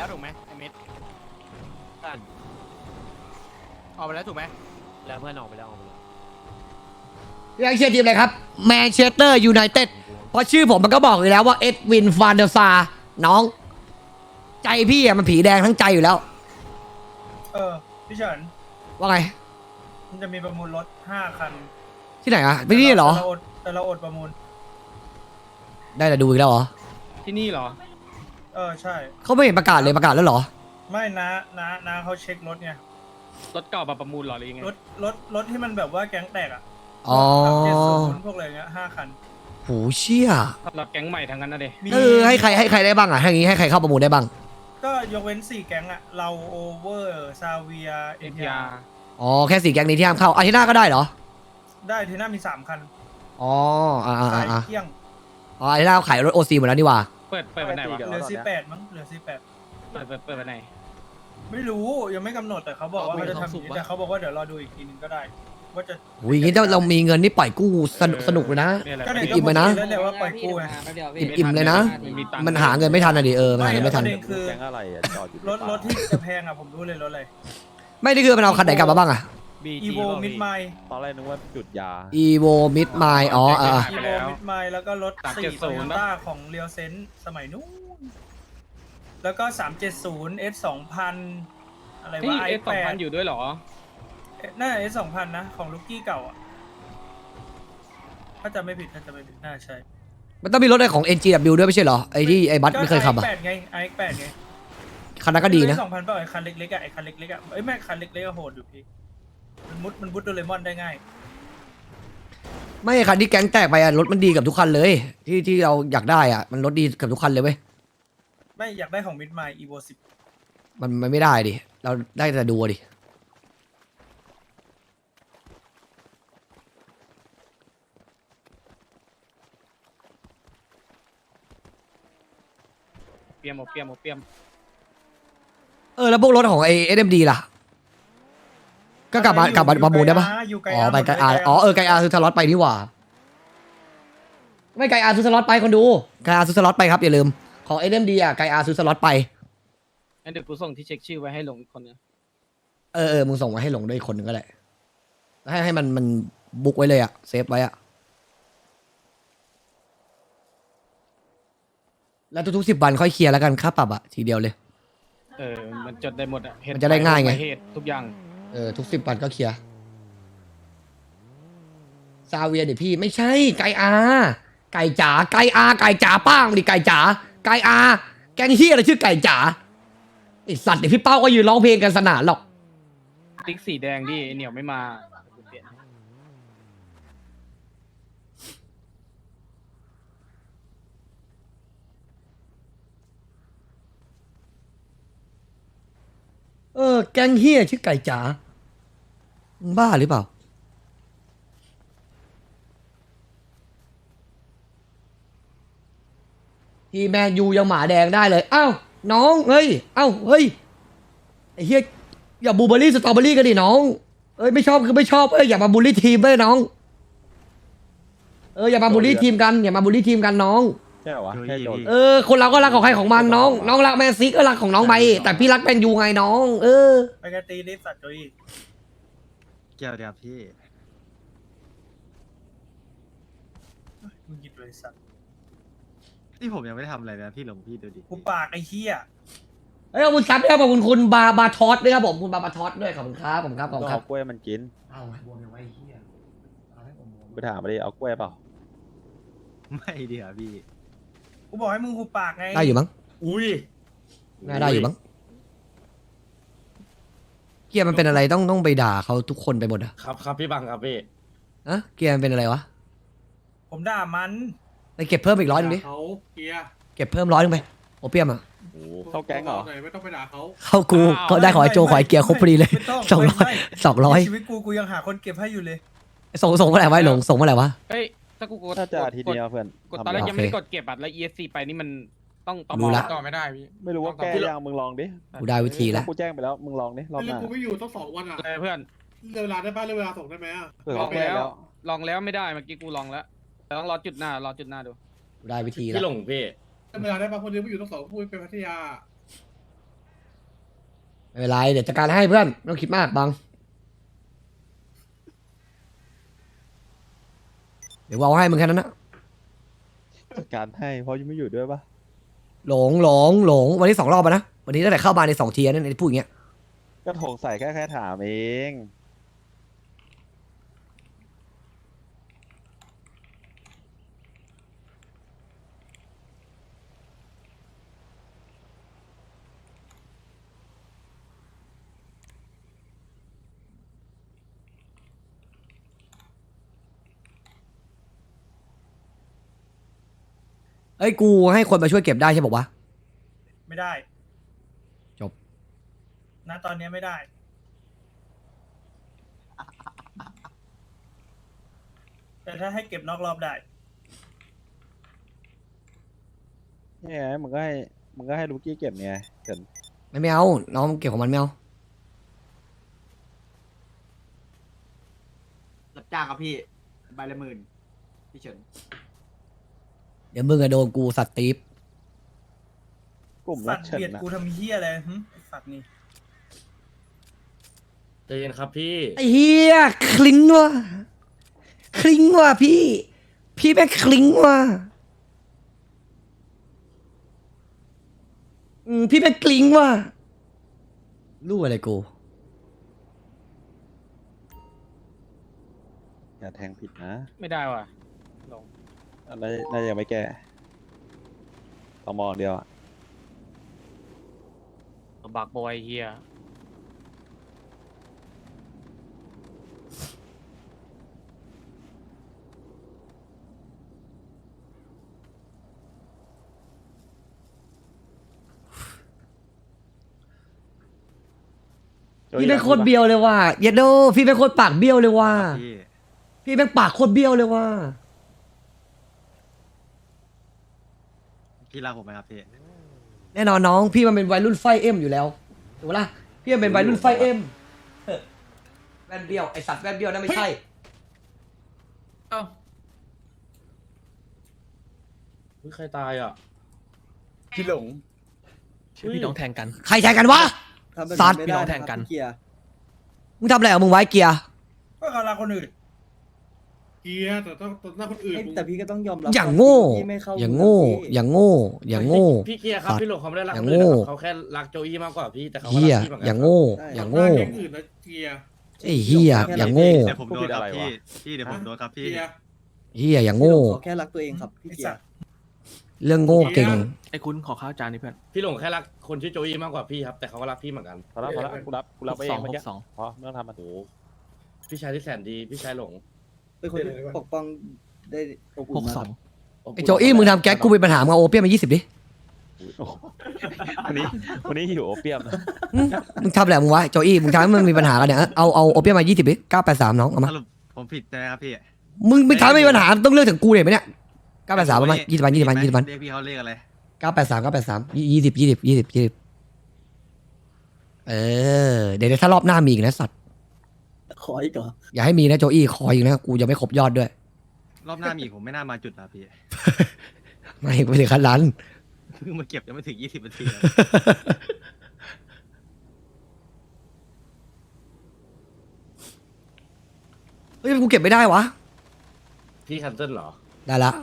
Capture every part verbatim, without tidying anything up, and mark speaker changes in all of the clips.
Speaker 1: แล้วถูกไหมไอเม็ดออกไปแล้วถูกไหมแล้วเพื่อนออกไปแล้วออกไปแล้ว
Speaker 2: ยังเชียร์ทีมอะไรครับแมนเชสเตอร์ยูไนเต็ดเพราะชื่อผมมันก็บอกอยู่แล้วว่าเอ็ดวินฟานเดอร์ซาร์น้อง ใจพี่อะมันผีแดงทั้งใจอยู่แล้ว
Speaker 3: เออพี่เฉิน
Speaker 2: ว่าไง
Speaker 3: มันจะมีประมูลรถห้าคัน
Speaker 2: ที่ไหนอะไม่นี่เหรอ
Speaker 3: แต่เราอดแต่เราอดประมูล
Speaker 2: ได้แต่ดูอีกแล้วเหรอ
Speaker 1: ที่นี่เหรอ
Speaker 3: เออใช่
Speaker 2: เขาไม่เห็นประกาศเลยประกาศแล้วเหรอ
Speaker 3: ไม่นะนะนะเขาเช็ครถไง
Speaker 1: รถเก่ามาประมูลเหรอหรือยังไง
Speaker 3: รถรถรถที่มันแบบว่าแก๊งแตกอ่ะ
Speaker 2: อ๋อ
Speaker 3: เจ็ดศูนย์พวกอะไรเงี้ยห้าคัน
Speaker 2: โหเชี่ย
Speaker 1: รถแก๊งใหม่ทั้งนั้นนะเด็
Speaker 3: มี
Speaker 2: เออให้ใครให้ใครได้บ้างอะให้งี้ให้ใครเข้าประมูลได้บ้าง
Speaker 3: ก็ยกเว้นสี่แก๊งอ่ะ เราโอเวอร์ซาเวียเอ็
Speaker 1: เอ็
Speaker 3: น
Speaker 1: น
Speaker 3: ที
Speaker 1: ที
Speaker 3: อา
Speaker 1: อา
Speaker 3: ร์
Speaker 1: ร์
Speaker 2: อ๋อแค่สี่แก๊งนี้ที่ห้ามเข้าอาทิตย์หน้าก็ได้เหรอ
Speaker 3: ได้ทีหน้ามีสามคัน
Speaker 2: อ๋ออ่าอ่า
Speaker 3: สาย
Speaker 2: อ่า
Speaker 3: เที่ยง
Speaker 2: อ๋ออาทิตย์หน้าขายรถโอซีหมดแล้วนี่หว่า
Speaker 1: เปิดเปิดวันไหนวะ
Speaker 3: เหลือสิบแปดมั้งเหลือสิบแปด
Speaker 1: เปิดเปิดเปิดวันไหน
Speaker 3: ไม่รู้ยังไม่กำหนดแต่เขาบอกว่าเขาจะทำอย่างนี้แต่เขาบอกว่าเดี๋ยวรอดูอีกทีนึงก็ได้ ว่าจะ
Speaker 2: โอ้ยงี้ถ้าเรามีเงินนี่ปล่อยกู้สนุกสนุกเลยนะ
Speaker 1: เนี่ยแหละ
Speaker 3: ก็เนี่ย
Speaker 2: อิ่มๆไปนะ
Speaker 3: แล้วเนี่ยว่าปล่อยกู้ไง
Speaker 2: อิ่มๆเลยนะ
Speaker 1: มีตังค์
Speaker 2: มันหาเงินไม่ทันอะดิเออมันหาเงินไม่ทัน
Speaker 3: ประเด็นคือ
Speaker 4: แก๊งอะไรอ่ะจอดอยู่
Speaker 3: รถรถที่จะแพงอ่ะผมรู้เลยรถอะไร
Speaker 2: ไม่ได้คือมันเอาคันไหนกลับมาบ้างอะ
Speaker 1: บี
Speaker 3: อี
Speaker 1: จี
Speaker 3: โวมิดไมล์
Speaker 4: ตอนแรกนึกว่าจุดยา
Speaker 2: evo mid mile อ๋ออ่า
Speaker 3: อีโวมิดไมล์แล้วก็รถสี่โตโยต้าของเรียวเซนสมัยนู้นแล้วก็สามเจ็ดศูนย์ S สองพันอะไร
Speaker 1: ที่
Speaker 3: วะ
Speaker 1: เอ
Speaker 3: i
Speaker 1: สสอง
Speaker 3: แป
Speaker 1: พั
Speaker 3: ด
Speaker 1: นอยู่ด้วยเหรอ
Speaker 3: น่า S สองพันนะของลูกกี้เก่าอ่ะถ้าจะไม่ผิดถ้าจะไม่ผิดน่าใช่
Speaker 2: มันต้องมีรถอะไรของ เอ็น จี ดับเบิลยู ด้วยไม่ใช่เหรอไอ้ที่ไอ้บัสไม่เคยขับอะ
Speaker 3: ไอแปดไงไอแปดไง
Speaker 2: คันนั้นก็ดีนะ
Speaker 3: สองพันเปล่าไอคันเล็กๆอ่ะไอคันเล็กๆอ่ะเอ้ยแม่คันเล็กๆก็โหดอยู่พี่มันมุดมันมุดโดเรมอนได้ง่าย
Speaker 2: ไม่คันที่แก๊งแตกไปอะรถมันดีกับทุกคันเลย ที่ที่เราอยากได้อะมันรถดีกับทุกคันเลยเว้ย
Speaker 3: ไม่อยากได้ของมิดไมล์อีโวสิบ
Speaker 2: มันมันไม่ได้ดิเราได้แต่ดูอะดิ
Speaker 1: เปียมโอเปียมโอเปียม
Speaker 2: เออแล้วพวกรถของไอ้เอ็มดีล่ะ ก็กลับมากลับมาประมูลได้ปะ
Speaker 3: อยู่ไกล
Speaker 2: อ๋อ
Speaker 3: อาร์
Speaker 2: ไปไกอาร์อ๋อเออไกอาร์ซื้อสล็อตไปนี่หว่า ไม่ไกอาร์ซื้อสล็อตไปคนดูไกอาร์ซื้อสล็อตไปครับอย่าลืมของเอ็มดีอะไกอาร์ซื้อสล็อตไป
Speaker 1: งั้นเดี๋ยวกูส่งที่เช็คชื่อไว้ให้หลงอีกคนนึง
Speaker 2: เออเออมึงส่งมาให้หลงด้วยอีกคนหนึ่งก็ได้ให้ให้มันมันบุ๊กไว้เลยอะเซฟไว้อะแล้วทุกๆสิบวันค่อยเคลียร์แล้วกันค่าปรับอะทีเดียวเลย
Speaker 1: เออมันจดได้หมดอ่ะเหตุ
Speaker 2: มันจะได้ง่ายไง
Speaker 1: เหตุทุกอย่าง
Speaker 2: เออทุกสิบวันก็เคลียร์ซาเวียดิพี่ไม่ใช่ไก่อาไก่จ๋าไก่อาไก่จ๋าป้างดิไก่จ๋าไก่อาแกงเฮียอะไรชื่อไก่จ๋าไอสัตว์เดี๋ยวพี่เป้าก็ยืนร้องเพลงกันสนานหรอก
Speaker 1: ติ๊กสีแดงดิไอ้เหนียวไม่มาเปลี่ยน
Speaker 2: เออแกงเฮียชื่อไก่จ๋ามึงบ้าหรือเปล่าทีแมนยูยังหมาแดงได้เลยอ้าวน้องเฮ้ยเอ้าเฮ้ยไอ้เฮียอย่าบูเบอรี่สตรอเบอรี่กันดิน้องเอ้ยไม่ชอบคือไม่ชอบเอ้ยอย่ามาบูลลี่ทีมเว้ยน้องเอออย่ามาบูลลี่ทีมกันอย่ามาบูลลี่ทีมกันน้อง
Speaker 4: ใช่เหรอวะแค่โจทย์
Speaker 2: เออคนเราก็รักของใครของมันน้อง น้องรักแมนซีก็รักของน้องไปแต่พี่รักแมนยูไงน้อง เออ
Speaker 3: ไปกันตีลิฟต์สัตว์โจย
Speaker 5: เกี่ยวเดียวพี่
Speaker 3: มึงหยิบเลยสัตว์
Speaker 5: นี่ผมยังไม่ได้ทำอะไรเลยนะพี่หลงพี่ดูดิ
Speaker 3: กูปากไอ้เหี้ย
Speaker 2: เฮ้ยขอบคุณซับด้วยครับขอบคุณคุณบาบาทอสด้วยครับผมคุณบาบาทอสด้วยขอบคุณครับผมครับขอบ
Speaker 4: ต้
Speaker 2: คุ
Speaker 4: อง
Speaker 2: ณครับ
Speaker 4: เอากล้วยมันกิน
Speaker 2: เอาบวมยังไงเฮียเอาให้ผมบวม
Speaker 4: ไปถามมาดิเอากล้วยเปล่า
Speaker 5: ไม่ดีอ่ะพี่
Speaker 3: กูบอกให้มึงหูปากไง
Speaker 2: ได้อยู่มั้ง
Speaker 5: อุ้ย
Speaker 2: น่าได้อยู่มั้งเกียร์มันเป็นอะไรต้องต้องไปด่าเขาทุกคนไปหมดอะ
Speaker 5: ครับครับพี่บังครับพี่
Speaker 2: อะเกียร์มันเป็นอะไรวะ
Speaker 3: ผมด่ามัน
Speaker 2: ไปเก็บเพิ่มอีกร้อยหนึงดิ
Speaker 6: เขาเกียร์
Speaker 2: เก็บเพิ่มร้อยหนึงไปโอเปียมอะ
Speaker 4: โอ้โหเข้าแก๊งเหรอ
Speaker 6: หน่อยไม่ต้องไปด่าเขา
Speaker 2: เข้ากูเขาได้ขอไอโจขอไอเกียร์ครบพอดีเลย
Speaker 3: ไม่ต้อง
Speaker 2: สองร้อย
Speaker 3: ไม่
Speaker 2: สองร้อย
Speaker 3: ในชีวิตกูกูยังหาคนเก็บให้อยู่เลย
Speaker 2: ส่งส่งเมื่อไหร่วะไอ้หลงส่งเมื่อไหร่วะ
Speaker 1: เฮ้ยถ้ากูกด
Speaker 4: ถ้าจะอาทิตย์เดียวเพื่อน
Speaker 1: กดตอนแรก
Speaker 4: ทำ
Speaker 1: ยังไม่ได้กดเก็บบัตรแล้ว อี เอส ซี ไปนี่มันต้องต่อ
Speaker 2: รู้ละ
Speaker 1: ต่อไม่ได้พี่
Speaker 4: ไม่รู้ว่าแก้ยังมึงลองดิ
Speaker 2: กูได้วิธีแล้ว
Speaker 4: กูแจ้งไปแล้วมึงลองดิรอบห
Speaker 6: เรื่อง
Speaker 4: น้า
Speaker 6: กูไม่อยู่ต้องสองวันอ่ะ
Speaker 1: เลยเพื่อน
Speaker 6: เรื่องเวลาได้ป่ะเรื่องเวลาส่งได้ไหมอ่ะ
Speaker 4: เผื่อ
Speaker 1: ล
Speaker 4: เขา
Speaker 1: อง
Speaker 4: แก้
Speaker 1: แล้ว
Speaker 4: แล้ว
Speaker 1: ลองแล้วไม่ได้เมื่อกี้กูลองแล้วแต่ต้องรอจุดหน้ารอจุดหน้าดู
Speaker 2: กูได้วิธีแล้ว
Speaker 5: พี่หลงพี่
Speaker 6: เรื่องเวลาได้ป่ะคนเดียวไม่อยู่ต้องสองพูดไปพัทยา
Speaker 2: ไม่เป็นไรเดี๋ยวจัดการให้เพื่อนไม่ต้องคิดมากบังเดี๋ยวเอาให้มึงแค่นั้นนะ
Speaker 4: จัดการให้เพราะยังไม่อยู่ด้วยปะ
Speaker 2: หลงหลงหลงวันนี้สองรอบแล้วนะวันนี้ตั้งแต่เข้ามาในสองเทียร์นั่นไอ้พูดอย่างเงี้ย
Speaker 4: ก็โถงใส่แค่แค่ถามเอง
Speaker 2: เอ้ยกูให้คนมาช่วยเก็บได้ใช่บอกวะ
Speaker 3: ไม่ได้
Speaker 2: จบ
Speaker 3: ณตอนนี้ไม่ได้ แต่ถ้าให้เก็บนอกรอบได้
Speaker 4: นี่ไงมึงก็ให้มึงก็ให้ลูกี้เก็บเนี่ยเฉิน
Speaker 2: ไม่ไม่เอาน้องเก็บของมันไม่เอา
Speaker 7: รับจ้างครับพี่ใบละหมื่นพี่เฉิน
Speaker 2: เดี๋ยวมึงอะโดนกูสัตว์ตีฟ
Speaker 4: กลุ่ม
Speaker 3: สั
Speaker 4: รั
Speaker 3: ต
Speaker 4: ก
Speaker 3: ว์
Speaker 4: เฉิน
Speaker 3: เบียด
Speaker 4: นะ
Speaker 3: กูทำเฮียอะไรหึไอ้สัตว์นี่
Speaker 1: ใจเย็นครับพี่
Speaker 2: ไอ้เฮียคลิงว่ะคลิงว่ะพี่ พี่แม่งคลิงว่ะอืมพี่แม่งคลิงว่ะรู้อะไรกู
Speaker 4: อย่าแทงผิดนะ
Speaker 1: ไม่ได้ว่ะหลง
Speaker 4: อะไรน่าจะยังไม่แก้ต่อมองเดียวอะ
Speaker 1: บักบอยเฮีย
Speaker 2: พี่เป็นโคตรเบี้ยวเลยว่ะเยดโดพี่เป็นโคตรปากเบี้ยวเลยว่ะ
Speaker 5: พี่
Speaker 2: พี่เป็นปากโคตรเบี้ยวเลยว่ะ
Speaker 5: พี่รักผมไหมครับพี่
Speaker 2: แน่นอนน้องพี่มันเป็นวัยรุ่นไฟเอ็มอยู่แล้วถูกปะล่ะพี่มันเป็นวัยรุ่นไฟเอ็มเออแว่นเบี้ยวไอสัตว์แว่นเบี้ยวนั่นไม่ใช่
Speaker 1: เอ้าเฮ้ยใครตายอ่ะ
Speaker 5: พี่หลง
Speaker 1: ชื่อพี่น้องแทงกัน
Speaker 2: ใครแทงกันวะ สัตว์
Speaker 7: พี่น้องแทงกัน
Speaker 2: มึงทำอะไรกับมึงไว้เกียร์
Speaker 3: ก็เขารักคนอื่น
Speaker 6: เกียร์แต่ต้องตอนหน้าคนอื่น
Speaker 7: แต่พี่ก็ต้องยอมรับ
Speaker 2: อย่างโง่
Speaker 7: พี่ไม่เข้า
Speaker 2: อย่างโง่ อย่างโง่ อย่างโง่
Speaker 1: พี่เกียร์ครับ
Speaker 2: สัตว์
Speaker 1: พี่หลงเขาไม่ได้รัก
Speaker 2: อย่าง
Speaker 1: คนอื่น
Speaker 2: โง่
Speaker 1: นะครับเขาแค่รักโจอี้มากกว่าพี่แต่เขาก็
Speaker 2: เฮีย
Speaker 1: รักพี่เหมือนกั
Speaker 2: อย่างโง่ อย่างโง่
Speaker 6: หน้าแก๊งอื่นนะเกียร์
Speaker 2: ไอ้เฮียอย่างโง่
Speaker 5: เดี๋ยวผมโดนครับพี่ พี่เดี๋ยวผมโดนครับพี่
Speaker 6: เกียร์
Speaker 2: เฮียอย่างโง่
Speaker 7: เขาแค่รักตัวเองครับพี่
Speaker 3: ไอ้
Speaker 7: เกีย
Speaker 3: สัต
Speaker 7: ร์
Speaker 3: ว์
Speaker 2: เรื่องโง่เก่ง
Speaker 1: ไอ้คุณขอข้าวจานนี้เพื่อนพี่หลงแค่รักคนชื่อโจอี้มากกว่าพี่ครับแต่เขาก็รักพี่เหมือนกัน
Speaker 4: พอแล้วพอแล้วกูรับกูรับไปเองเมื่อกี้พอไม่ต้องทำมัน
Speaker 1: โอ้โหพี่ชายที่แสนดีพี่ชายหลง
Speaker 7: เป็นคนที่ปกป้องได้อบอุ่นมากครับ
Speaker 2: ไอ้โจอี้มึงทำแก๊กกูมีปัญหามึงเอาโอเปียมมายี่สิบดิ
Speaker 4: วันนี้วันนี้หิวโอเปียมนะ
Speaker 2: อืมมึงทำอะไรกับมึงวะโจอี้มึงทำให้มันมีปัญหากันเนี่ยเอาเอาโอเปียมมายี่สิบดิเก้าแปดสามน้องเอามา
Speaker 5: สรุปผมผิดใช่ไหมครับพี่
Speaker 2: มึงไม่ทำให้มีปัญหาต้องเลือกถึงกูเลยไหมเนี่ยเก้าแปดสามประมาณยี่สิบวันยี่สิบวันยี่สิบวัน
Speaker 5: เรียกพี่เขาเรียกอะไร
Speaker 2: เก้าแปดสามเก้าแปดสามยี่สิบยี่สิบยี่สิบยี่สิบเออเดี๋ยวถ้ารอบหน้ามีอีกนะสัตว์
Speaker 7: ขออีกเหรอ
Speaker 2: อย่าให้มีนะโจอี้คอยอีกนะกูจะไม่ครบยอดด้วย
Speaker 5: รอบหน้ามีอีกผมไม่น่ามาจุดนะพี่
Speaker 2: ไม่ไม่ถึงขั้นนั้น
Speaker 5: เพิ่งมาเก็บยังไม่ถึงยี่สิบนาทีเลย
Speaker 2: เฮ้ยกูเก็บไม่ได้วะ
Speaker 1: พี่คันเซิลเหรอ
Speaker 2: ได้ละ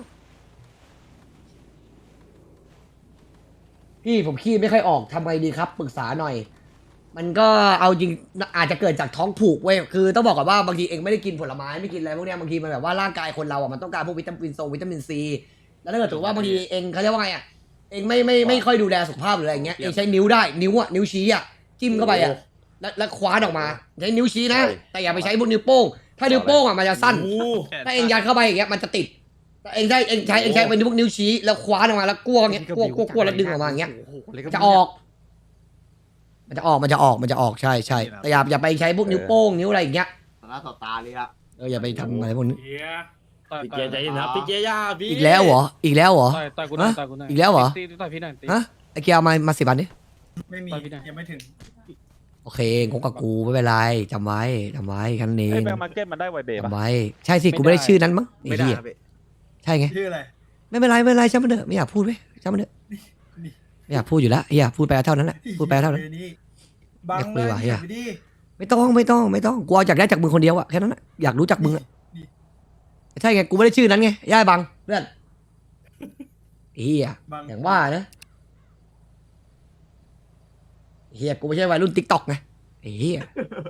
Speaker 2: พี่ผมขี้ไม่ค่อยออกทำไงดีครับปรึกษาหน่อย มันก็เอาจริงอาจจะเกิดจากท้องผูกเว้ยคือต้องบอกก่อนว่าบางทีเองไม่ได้กินผลไม้ไม่กินอะไรพวกเนี้ยบางทีมันแบบว่าร่างกายคนเราอ่ะมันต้องการพวกวิตามินโซวิตามินซีแล้วถ้าเกิดถือว่าบางทีเองเขาเรียกว่าไงอ่ะเองไม่ไม่ไม่ค่อยดูแลสุขภาพหรืออะไรอย่างเงี้ยเองใช้นิ้วได้นิ้วอ่ะนิ้วชี้อ่ะจิ้มเข้าไปอ่ะแล้วแล้วคว้านออกมาใช้นิ้วชี้นะแต่อย่าไปใช้พวกนิ้วโป้งถ้านิ้วโป้งอ่ะมันจะสั้น ถ้าเองยัดเข้าไปอย่างเงี้ยมันจะติดแต่เองใช้เองใช้เองใช้เป็นพวกนิ้วชี้แล้วคว้านออกมาแล้วกลัวอย่างเงี้ยกลัวกลัวกลัวแล้วดึงออกมาอย่างเงี้ยมันจะออก มันจะออกมันจะออกมันจะออกใช่ใช่แต่อย่าอย่าไปใช้พวกนิ้วโป้งนิ้วอะไรอย่างเงี้ย
Speaker 7: ต่อหน้าต่อตาเลยอะ
Speaker 2: เอออย่าไปทำอะไรพวกนี้
Speaker 6: เกียร์
Speaker 1: พี่เกียร์ใจเย็นครับพี่เกียร์ย่าพี่
Speaker 2: อีกแล้วเหรออีกแล้วเหรอ
Speaker 1: ต่อยต่อยกูหน่อย
Speaker 2: ฮะ
Speaker 1: ต่อยกูหน่อย
Speaker 2: อีกแล้วเหรอ
Speaker 1: ตีต่อยพี่หน่อยตี
Speaker 2: ฮะไอเกียร์เอามามาสิบันดิ
Speaker 3: ไม่มี
Speaker 1: ไปพี่ได้
Speaker 3: ยังไม่ถึง
Speaker 2: โอเคงงกับกูไม่เป็นไรจำไว้จำไว้แค่นั้นเอ
Speaker 4: ไอ้
Speaker 2: ง
Speaker 4: แบงค์มาร์เก็ตมันได้ไวเบย์ป่ะ
Speaker 2: จำไว้ใช่สิกูไม่ได้ชื่อนั้นมั้งไอ้
Speaker 5: ไม่ได้
Speaker 2: เหี้ย
Speaker 5: ครับพี่
Speaker 2: ใช่ไง
Speaker 3: ชื่ออะไร
Speaker 2: ไม่เป็นไรไม่เป็นไรช่างมันเถอะไม่อยากพูดเว้ยช่างมันเถอะ
Speaker 3: นี่
Speaker 2: ไม่อยากพูดอยู่แล้วเฮียพูดไปเท่านั้นแหละพูดไปเท่านั้น
Speaker 3: บอร์นี้บัง
Speaker 2: เรียก
Speaker 3: เล
Speaker 2: เลย ยว่ะเหี้ย
Speaker 3: ไปดิ
Speaker 2: ไม่ต้องไม่ต้องไม่ต้องกูเอาอยากได้จากมึงคนเดียวอะแค่นั้นอะอยากรู้จักมึงอะใช่ไงกูไม่ได้ชื่อนั้นไงย่าบังเพื่อนเฮีย
Speaker 3: บัง
Speaker 2: อย่างว่านะเฮียกูไม่ใช่วัยรุ่นติ๊กต็อกไงไอ้เฮีย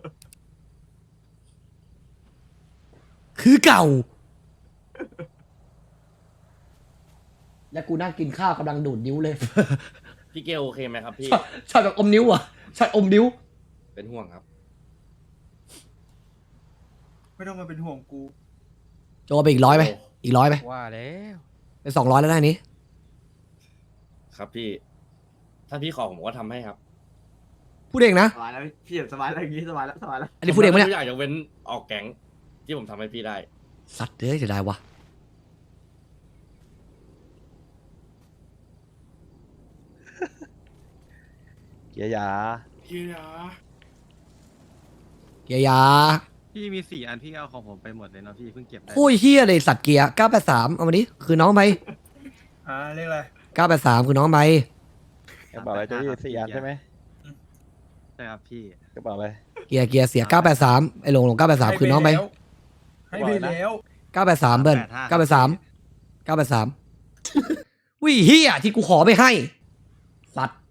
Speaker 2: คือเก่า แล้วกูนั่งกินข้าวกำลังดูดนิ้วเลย
Speaker 1: พี่เกลโอเคไหมครับพี่
Speaker 2: ช็อตช็อตแบบอมนิ้วอ่ะช็อตอมนิ้ว
Speaker 1: เป็นห่วงครับ
Speaker 3: ไม่ต้องมาเป็นห่วงกู
Speaker 2: โจไปอีกร้อยไหมอีกร้อยไหม
Speaker 4: ว่าแล้ว
Speaker 2: เป็นสองร้อยแล้วได้นี้
Speaker 1: ครับพี่ ถ้าพี่ขอผมก็ทำให้ครับ
Speaker 2: พูดเองนะ
Speaker 5: สบายแล้วพี่สบายแล้วอย่างงี้สบายแล้วสบายแล้ว
Speaker 2: อันนี้พูดเองปะเนี่ย
Speaker 1: ผมทำทุกอย่างยกเว้นออกแก๊งที่ผมทำให้พี่ได้
Speaker 2: สัตว์เอ้ยเสียดายวะ
Speaker 4: เกียร์ยา
Speaker 6: เกียร์
Speaker 2: เกียร์ยา
Speaker 5: พี่มีสี่อันพี่เอาของผมไปหมดเลยเนาะพี่เพิ่งเก็บได้
Speaker 2: โอ้ยเฮียเลยสัตว์เกียร์เก้าแปดสามเอามาดิคือน้องไป
Speaker 3: อ่าเรียกอะไร
Speaker 2: เก้าแปดสามคือน้องไป
Speaker 4: กระเป๋าอะไรเจ้ายี่สี่อันใช่ไหม
Speaker 5: ใช่ครับพี่
Speaker 4: กระเป๋าอะไร
Speaker 2: เกียร์เกียร์เสียเก้าแปดสามไอ้หลงหลงเก้าแปดสามคือน้องไป
Speaker 3: ให้ไปแล้ว
Speaker 2: เก้าแปดสามเบิ้ลเก้าแปดสามเก้าแปดสามวิเฮียที่กูขอไม่ให้สัตว์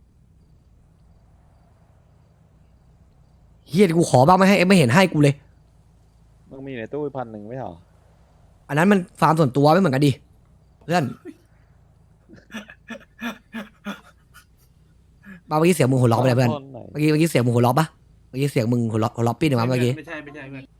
Speaker 2: เฮียที่กูขอบ้างไม่ให้ไม่เห็นให้กูเลย
Speaker 4: มึงมีในตู้พันหนึ่งไม่เหรอ
Speaker 2: อันนั้นมันฟาร์มส่วนตัวไม่เหมือนกันดิเพื่อนบ้าเมื่อกี้เสียงมึงหัวเราะไปเลยเพื่อน
Speaker 4: ต้หน่อย
Speaker 2: เมื่อกี้เมื่อกี้เสียงมึงหัวเราะปะเมื่อกี้เสียงมึงหัวเราะหัวเราะปี้หนึ่งมั้ยเมื่อกี้
Speaker 6: ไม่ใช่ไม่ใช่เพื่อน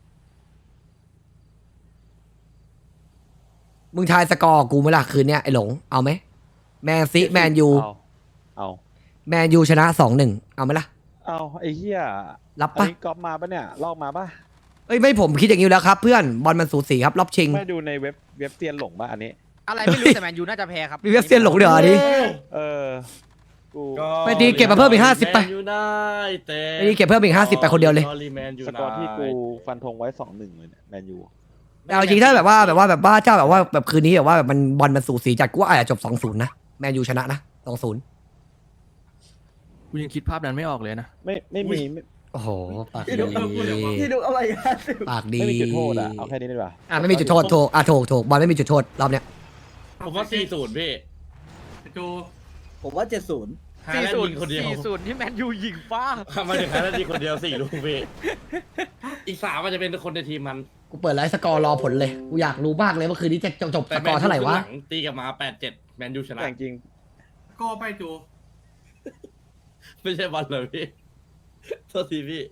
Speaker 2: มึงทายสกอร์กูไหมล่ะคืนเนี้ยไอ้หลงเอาไหมแมนซีแมนยู
Speaker 4: เอาเอา
Speaker 2: แมนยูชนะสองหนึ่งเอาไหมล่ะ
Speaker 4: เอาไอ้เหี้ย
Speaker 2: รับ
Speaker 4: อัน
Speaker 2: ปะ
Speaker 4: นี้ก๊อปมาปะเนี่ยลอกมาปะ
Speaker 2: เอ้ยไม่ผมคิดอย่างนี้อยู่แล้วครับเพื่อนบอลมันสูสีครับรอบชิง
Speaker 4: ไม่ดูในเว็บเว็บเซียนหลงปะอันนี้
Speaker 8: อะไรไม่รู้แต่แมนยูน่าจะแพ้ครับ
Speaker 2: มีเว็บเซียนหลงเดี๋ยวอันนี้
Speaker 4: เออ กู
Speaker 3: ก็
Speaker 2: ไม่ดีเก็บมาเพิ่มอีกห้าสิบไป
Speaker 1: แมนยูไนเต็ด
Speaker 2: ไม่ดีเก็บเพิ่มอีกห้าสิบไปคนเดียวเลย
Speaker 1: แมนยู
Speaker 4: ส
Speaker 1: ไน
Speaker 4: กอร์ที่กู
Speaker 1: เต็ด
Speaker 4: ฟันธงไว้สองหนึ่งเลยเนี่ยแมนยู
Speaker 2: แต่เอาจริงถ้าแบบว่าแบบว่าแบบว่าเจ้าแบบว่าแบบคืนนี้แบบว่าแบบมันบอลมันสูสีจัดกูว่าอาจจะจบสองศูนย์นะแมนยูชนะนะสองศูนย์
Speaker 1: กูยังคิดภาพนั้นไม่ออกเลยนะ
Speaker 4: ไม่ไม่มีไม่
Speaker 2: โอ้โหปาก
Speaker 7: พี่
Speaker 2: ดี
Speaker 7: ดุพี่ดุอะไรกัน
Speaker 2: ปากดี
Speaker 4: ไม่มีจุดโทษอ่ะเอาแค่นี้ดีกว่า
Speaker 2: อ่ะไม่มีจุดโทษโถกอ่ะโถกโถกบอลไม่มีจุดโทษรอบเนี้ย
Speaker 1: ผมว่าสี่ศูนย์พี่
Speaker 6: โจ
Speaker 7: ผมว่าเจ็ดศูนย์
Speaker 1: ฮาแลนด์ยิงคนเดียว
Speaker 8: สี่ศูนย์ที่แมนยูยิงฟ้า
Speaker 1: มาถึงฮาแลนด์ยิงคนเดียวสี่ลูกพี่ อีกสามมันจะเป็นคนในทีมมัน
Speaker 2: กูเปิดไลฟ์สกอร์รอผลเลยกูอยากรู้มากเลยว่าคืนนี้จะจบจบ
Speaker 1: แต่
Speaker 2: ส
Speaker 1: แม
Speaker 2: กอน ร์
Speaker 1: ยู
Speaker 2: เท่าไหร่วะ
Speaker 1: คงลังตีกลับมาแปดเจ็ดแมนยูชนะ
Speaker 4: แต่จริง
Speaker 6: ก็ไปโจ
Speaker 1: ไม่ใช่บอลเลยพี่โทษทีพี่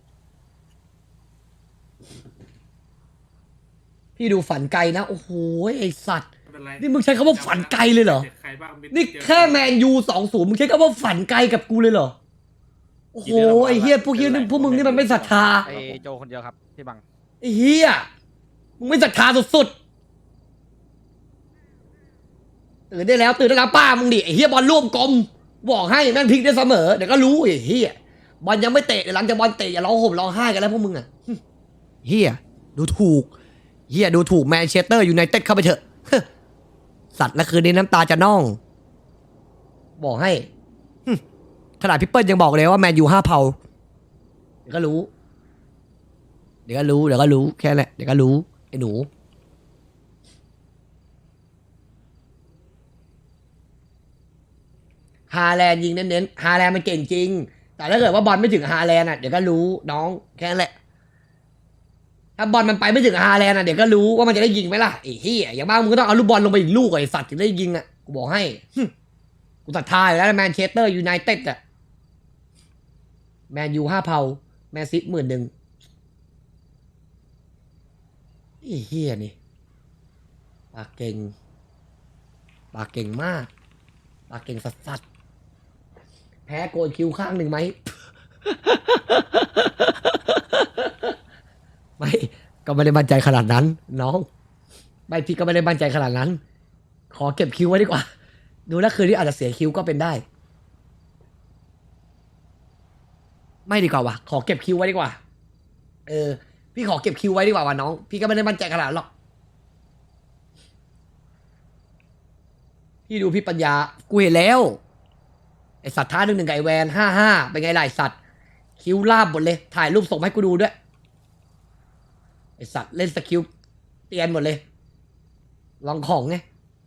Speaker 2: พี่ดูฝันไกลนะโอ้โหไอสัตว์
Speaker 6: ไม่เป็นไร
Speaker 2: นี่มึงใช้คำว่าฝันไกลเลยเหรอ
Speaker 6: ใครบ้างมี
Speaker 2: นี่แค่แมนยูสองศูนย์มึงใช้คำว่าฝันไกลกับกูเลยเหรอ โอ้โหไอ้เฮียพวกเฮียนี่พวกมึงนี่มันไม่ศรัทธา
Speaker 8: ไอโจคนเดียวครับพี่บัง
Speaker 2: ไอ้เฮียมึงไม่ศรัทธาสุดๆตื่นได้แล้วตื่นได้แล้วป้ามึงดิไอ้เฮียบอลร่วมกลมบอกให้แม่งพลิกได้เสมอเดี๋ยวก็รู้ไอ้เฮียบอลยังไม่เตะเดี๋ยวหลังจากบอลเตะอย่าร้องห่มร้องไห้กันแล้วพวกมึงอ่ะเฮียดูถูกเฮียดูถูกแมนเชสเตอร์ยูไนเต็ดเข้าไปเถอะสัตว์และคืนนี้น้ำตาจะน่อง บอกให้ขนาดพี่เปิ้ลยังบอกเลยว่าแมนยูห้าเผาเดี๋ยวก็รู้ เดี๋ยวก็รู้เดี๋ยวก็รู้แค่นั้นแหละเดี๋ยวก็รู้ไอ้หนูฮาแลนด์ยิงเน้นๆฮาแลนด์มันเก่งจริง แต่ถ้าเกิดว่าบอลไม่ถึงฮาแลนด์อ่ะเดี๋ยวก็รู้น้องแค่นั้นแหละถ้าบอลมันไปไม่ถึงฮาแลนด์อ่ะเดี๋ยวก็รู้ว่ามันจะได้ยิงไหมล่ะไอ้เหี้ยอย่างมากมึงก็ต้องเอาลูกบอลลงไปอีกลูกไอ้สัตว์ถึงได้ยิงอ่ะกูบอกให้กูศรัทธาอยู่แล้วแมนเชสเตอร์ยูไนเต็ดอ่ะแมนยูห้าเผาแมนซิหมื่นหนึ่งไอ้เหี้ยนี่ปากเก่งปากเก่งมากปากเก่งสัสๆแพ้โกนคิ้วข้างหนึ่งไหม ไม่ก็ไม่ได้มั่นใจขนาดนั้น น้องไม่พี่ก็ไม่ได้มั่นใจขนาดนั้น ขอเก็บคิ้วไว้ดีกว่า ดูแล้วคืนนี้อาจจะเสียคิ้วก็เป็นได้ ไม่ดีกว่าว่ะขอเก็บคิ้วไว้ดีกว่า เออ พี่ขอเก็บคิวไว้ดีกว่าว่ะน้อง พี่ก็ไม่ได้มั่นใจขนาดนั้นหรอก พี่ดูพี่ปัญญา กูเห็นแล้ว ไอสัตว์ท้าหนึ่งหนึ่งไก่แวนห้าห้าเป็นไงล่ะไอสัตว์คิ้วลาบหมดเลย ถ่ายรูปส่งมาให้กูดูด้วยไอสัตว์เล่นสกิลเตียนหมดเลย ลองของไง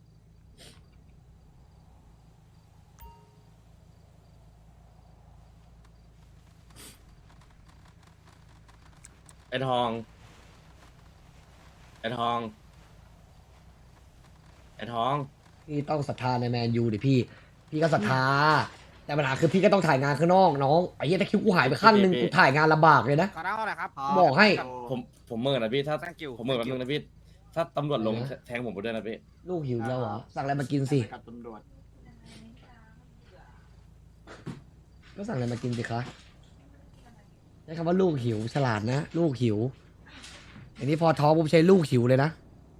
Speaker 1: ไอ้ทองไอ้ทองไอ้ทอง
Speaker 2: พี่ต้องศรัทธาในแมนยูดิพี่ พี่ก็ศรัทธา แต่ปัญหาคือพี่ก็ต้องถ่ายงานข้างนอกน้องไอ้เหี้ยถ้าคิวกูหายไปข้างหนึงกูถ่ายงานลำบากเลยนะ
Speaker 8: ขอเล่าหน่อยครับ
Speaker 2: บอกให้
Speaker 1: ผมผมเมื่อนะพี่ถ้า
Speaker 8: Thank you
Speaker 1: ผมเมื่อแบบนึงนะพี่ถ้าตำรวจลง
Speaker 2: เออ
Speaker 1: แทงผมไปด้วยนะพี่
Speaker 2: ลูกหิวแล้วเหรอ สั่งอะไรมากินสิ
Speaker 5: กับตำรวจ
Speaker 2: ก็สั่งอะไรมากินสิคะใช้คำว่าลูกหิวฉลาดนะ ลูกหิวอันนี้พอท้องผมใช้ลูกหิวเลยนะ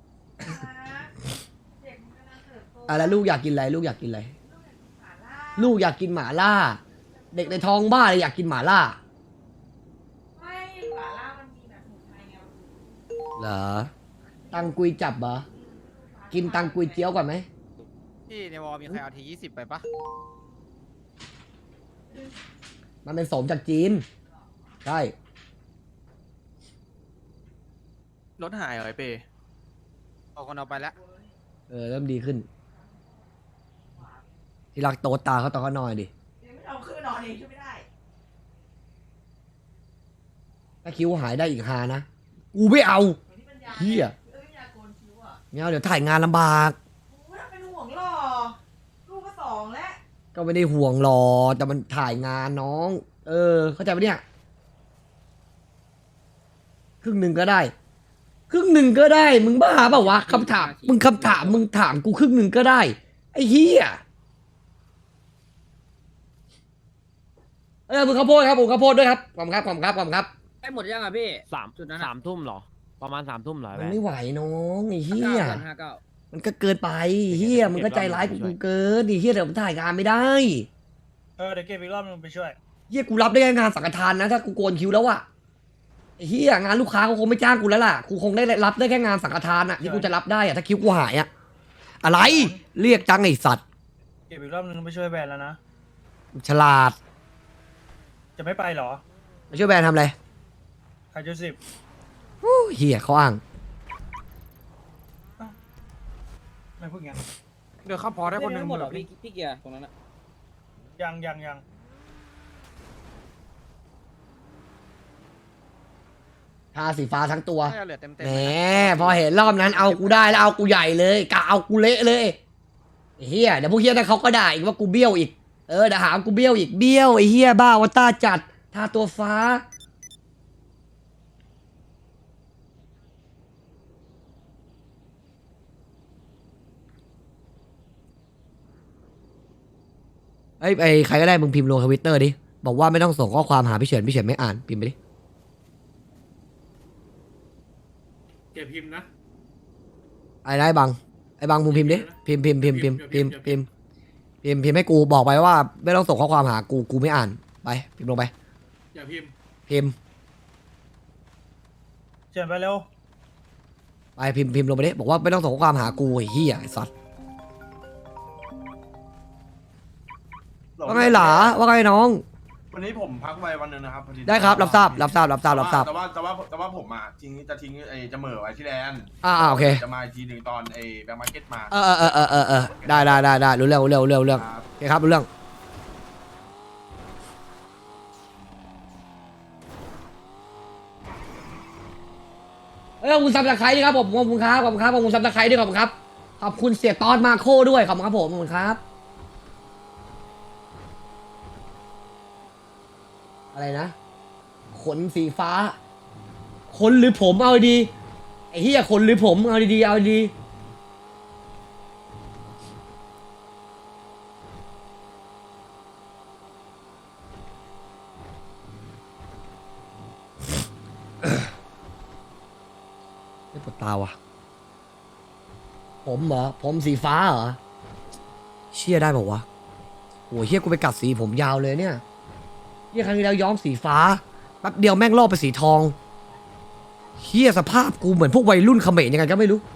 Speaker 2: อ่ะแล้วลูกอยากกินอะไรลูกอยากกินอะไรลูกอยากกินหม่าล่า เด็กในท้องบ้าเลยอยากกินหม่าล่า
Speaker 9: ไม่หมาล่ามันมีแบบหมูไทยไง
Speaker 2: เหรอตังกุยจับเหรอกินตังกุยเจียวก่อนไหม
Speaker 8: พี่ในวอลมีใครเอาทียี่สิบไปปะ
Speaker 2: มันเป็นสมจากจีนใช่
Speaker 10: รถหายเหรอไอเป้
Speaker 8: เอาคนเอาไปแล้ว
Speaker 2: เออเริ่มดีขึ้น ที่รักโตตาเขาตอนเขานอนดิ
Speaker 9: เดี๋ยวไม่เอาขึ้นนอนเองช่วยไม่ได้
Speaker 2: ถ้าคิ้วหายได้อีกฮานะกูไม่เอา
Speaker 9: เหมือนที่ปัญญา
Speaker 2: เหี้ย
Speaker 9: เอ้ยปัญญาโกนคิ้วอ่ะ
Speaker 2: ไม่เอาเดี๋ยวถ่ายงานลำบาก
Speaker 9: โอ้ยเป็นห่วงหรอลูกก็สองแล้ว
Speaker 2: ก็ไม่ได้ห่วงหรอก แต่มันถ่ายงานน้อง เออ เข้าใจปะเนี่ย ครึ่งหนึ่งก็ได้ ครึ่งหนึ่งก็ได้ มึงบ้าเปล่าวะคำถาม มึงคำถาม มึงถามกูครึ่งหนึ่งก็ได้ ไอ้เหี้ย เออมึงข้าวโพดครับผมข้าวโพดด้วยครับขอบคุณครับขอบคุณครับขอบคุณครับ
Speaker 8: ไอ้หมดยังอ่ะพี่
Speaker 10: สามสามทุ่มเหรอ ประมาณสามทุ่มเหรอ
Speaker 2: มันไม่ไหวน้องไอ้เหี้ย
Speaker 8: ห้าเก้า
Speaker 2: มันก็เกินไปเหี้ยมันก็ใจร้ายกูกูเกินไอ้เหี้ยเดี๋ยวผมถ่ายงานไม่ได้
Speaker 3: เออเดี๋ยวเก็บอีกรอบนึงไปช่วย
Speaker 2: เหี้ยกูรับได้แค่งานสังฆทานนะถ้ากูโกนคิ้วแล้วอะไอ้เหี้ยงานลูกค้าเขาคงไม่จ้างกูแล้วล่ะกูคงได้รับได้แค่งานสังฆทานอะที่กูจะรับได้อะถ้าคิ้วกูหายอะอะไรเรียกจังไอ้สัตว์
Speaker 3: เก็บอีกรอบนึงไปช่วยแบรนด์แล้วนะ
Speaker 2: ฉลาด
Speaker 3: จะไม่ไปเหรอ
Speaker 2: มาช่วยแบรนด์ทำอะไร
Speaker 3: ใครจะสิบ
Speaker 2: ฮู้เหี้ยเขาอ้าง
Speaker 3: ไม่พูดงั้น
Speaker 8: เดี๋ยวเข้าพอได้คนหนึ่ง
Speaker 10: หมดหรอพี่พี่เกียร์ตรงนั้นอะ
Speaker 3: ยังยังยัง
Speaker 2: ทาสีฟ้าทั้งตัว
Speaker 8: น่าจะเหลือเต็มเต็ม
Speaker 2: แหมพอเห็นรอบนั้นเอากูได้แล้วเอากูใหญ่เลยกะเอากูเละเลยไอ้เฮียเดี๋ยวพวกเฮียนั่นเขาก็ด่าอีกว่ากูเบี้ยวอีกเออเดี๋ยวหาว่ากูเบี้ยวอีกเบี้ยวไอ้เฮียบ้าวาต้าจัดทาตัวฟ้าไอ้ยไอ้ใครก็ได้มึงพิมพ์ลงทวิตเตอร์ดิบอกว่าไม่ต้องส่งข้อความหาพี่เฉินพี่เฉินไม่อ่านพิมพ์ไปดิ
Speaker 6: เก็บพิมพ์นะ
Speaker 2: ไอ้ได้บังไอ้บังมึงพิมพ์ดิพิมพ์พิมพ์พิมพ์พิมพ์พิมพ์พิมพ์พิมพ์พิมพ์ให้กูบอกไปว่า ไม่ต้องส่งข้อความหากูกูไม่อ่านไปพิมพ์ลงไป
Speaker 6: อย่าพิมพ์
Speaker 2: พิมพ์
Speaker 3: เชิญไปเร็ว
Speaker 2: ไปพิมพ์พิมพ์ลงไปดิบอกว่าไม่ต้องส่งข้อความหากูไอ้เหี้ยไอ้สัตว์ว่าไงหลาว่าไงน้อง
Speaker 11: วันนี้ผมพักไปวันหนึงนะครับพอ
Speaker 2: ได้ครับรับทราบรับทราบรับทราบรับทราบ
Speaker 11: แต่ว่าแต่ว่าแต่ว่าผมอ่ะทิ้งจะทิ้งไอ้จะเหม่อไว้ที่แลนด์
Speaker 2: อ่าอ่าโอเค
Speaker 11: จะมาอีกทีหนึ่งตอนไอ้แบงก์มาร์เก็ตมา
Speaker 2: เออเออเออเออเออเออได้ได้ได้ได้รู้เรื่องรู้เรื่องรู้เรื่องรู้เรื่อง
Speaker 11: ครับ
Speaker 2: โอเคครับรู้เรื่องเอ้ยขอบคุณซับสไครต์ด้วยครับผมขอบคุณครับขอบคุณครับขอบคุณซับสไครต์ด้วยขอบคุณครับขอบคุณเสียตอนมาโคด้วยขอบคุณครับผมขอบคุณครับอะไรนะขนสีฟ้าขนหรือผมเอาดีไอ้เหี้ยขนหรือผมเอาดีๆเอาดีไม่ปวดตาว่ะผมเหรอผมสีฟ้าเหรอเชี่ยได้บอกวะโอ้ยเฮียกูไปกัดสีผมยาวเลยเนี่ยเฮียครั้งที่แล้วย้อมสีฟ้าแป๊บเดียวแม่งลอกไปสีทองเฮียสภาพกูเหมือนพวกวัยรุ่นเขมรยังไงก็ไม่รู้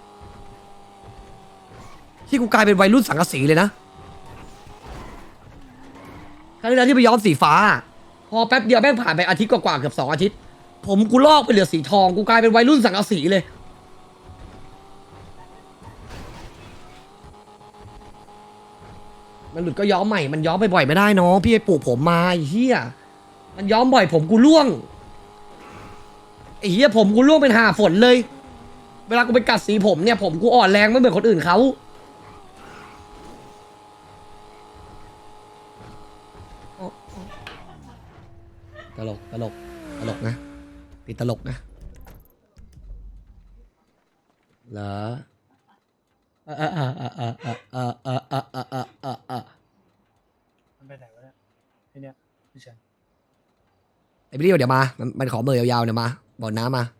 Speaker 2: ที่กูกลายเป็นวัยรุ่นสังกะสีเลยนะครั้งที่แล้วที่ไปย้อมสีฟ้าพอแป๊บเดียวแม่งผ่านไปอาทิตย์กว่าๆเกือบสองอาทิตย์ ผมกูลอกไปเหลือสีทองกูกลายเป็นวัยรุ่นสังกะสีเลย มันหลุดก็ย้อมใหม่มันย้อมบ่อยๆไม่ได้น้องพี่ไปปลูกผมมาไอ้เหี้ยมันย้อมบ่อยผมกูร่วงไอ้เหี้ยผมกูร่วงเป็นห่าฝนเลย เวลากูไปกัดสีผมเนี่ยผมกูอ่อนแรงไม่เหมือนคนอื่นเขาตลกตลกตลกนะติดตลกนะเหรออ่ะอ่ะอ่ะอ่ะอ่ะอ่ะอ่ะอ่ะอ่ะอ่ะอ่ะอ่ะ
Speaker 3: มันไปไหนวะเนี่ยไอเนี่ยพี่เฉิน
Speaker 2: ไอ้พี่เดี๋ยวมามันมันขอเบอร์ยาวๆเดี๋ยวมาบอกน้ามา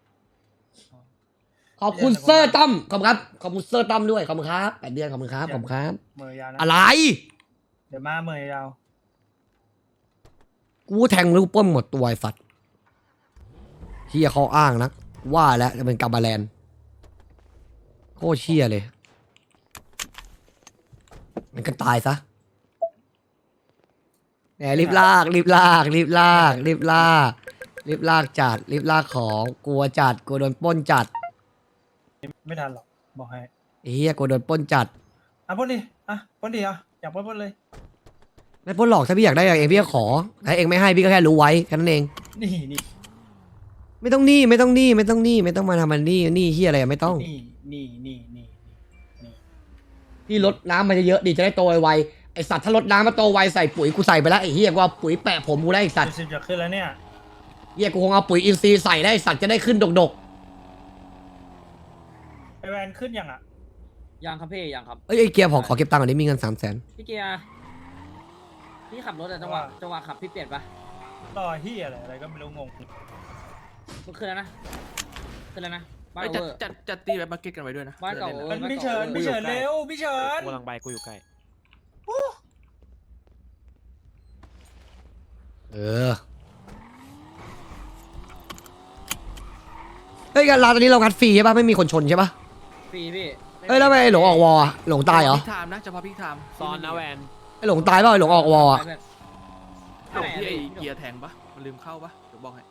Speaker 2: ขอบคุณเซอร์ตั้มขอบคุณครับขอบคุณเซอร์ตั้มด้วยขอบคุณครับแปดเดือนขอบคุณครับขอบคุณครับ
Speaker 3: เมย์ยาวนะ
Speaker 2: อะไร
Speaker 3: เดี๋ยวมาเมย์ยาว
Speaker 2: กูแทงลูกป้นหมดตัวไอ้สัตว์เฮียเขาอ้างนะว่าแล้วจะเป็นกาบาแลนโคตรเชี่ยเลยมันก็ตายซะแหมรีบลากรีบลากรีบลากรีบลากรีบลากจัดรีบลากของกลัวจัดกลัวโดนปล้นจัด
Speaker 3: ไม่ทันหรอกบอกให้
Speaker 2: ไอ้เฮียกลัวโดนปล้นจัด
Speaker 3: อ่ะพ่นดิอ่ะพ่นดิอ่ะอยากพ่นพ่นเลย
Speaker 2: ไม่ปล้นหรอกถ้าพี่อยากได้อย่างเองพี่ก็ขอถ้าเองไม่ให้พี่ก็แค่รู้ไว้แค่นั้นเอง
Speaker 3: นี่นี่
Speaker 2: ไม่ต้องหนี่ไม่ต้องหนี่ไม่ต้องหนี่ไม่ต้องมาทำมันนี่นี่เฮียอะไรอะไม่ต้อง
Speaker 3: นี่นี่นี่นี่นี่
Speaker 2: พี่ลดน้ำมันจะเยอะดีจะได้โตไวๆไอสัตว์ถ้าลดน้ำมาโตไวใส่ปุ๋ยกูใส่ไปแล้วไอเฮียกูเอาปุ๋ยแปะผมกูได้ไอสัตว์
Speaker 3: สิบจะขึ้นแล้วเนี่ย
Speaker 2: เฮียกูคงเอาปุ๋ยอินทรีย์ใส่ได้ไอ้สัตว์จะได้ขึ้นดก
Speaker 3: ไอแวนขึ้นยังอ่ะ
Speaker 8: ยังครับพี่ยังครับ
Speaker 2: ๆเอ้ยไอเกียร์ขอขอเก็บตังค์ก่อนนี้มีเงินสามแสน
Speaker 8: พี่เกียร์พี่ขับรถอะจังหวะจังหวะขับพี่เปลี่ยนปะ
Speaker 3: ต่อเฮียอะไรอะไรก็ไม่รู้งง
Speaker 8: มันขึ้นแล้วนะขึ้นแล้วนะบ้าน
Speaker 10: จัด
Speaker 8: เวอร์
Speaker 10: จัดจัดตีแบบมาเก็ตกันไว้ด้วยนะ
Speaker 8: บ้านเก่า
Speaker 10: ผื่อ
Speaker 8: เอ
Speaker 10: ล่
Speaker 8: อ
Speaker 3: มันพี่เฉินพี่เฉินเร็วพี่เฉิน
Speaker 10: กูกำลังไปกูอยู่ใกล้
Speaker 2: เออเฮ้ยการร้านตอนนี้เรางัดฟรีใช่ปะไม่มีคนชนใช่ปะ
Speaker 8: ฟรีพี่
Speaker 2: เอ้ยแล้วทำไมไอ้หลงออกวอลอะหลงตายเหรอ
Speaker 10: พี่ไทม์นะเฉพาะพี่ไทม์
Speaker 5: ซอนนะแวน
Speaker 2: ไอ้หลงตายเปล่าไอ้หลงออกวอลอะ
Speaker 8: ไปเพื่อน
Speaker 10: หลงที่ไอเกียร์แทงปะมันลืมเข้าปะเดี๋ยวบอกให้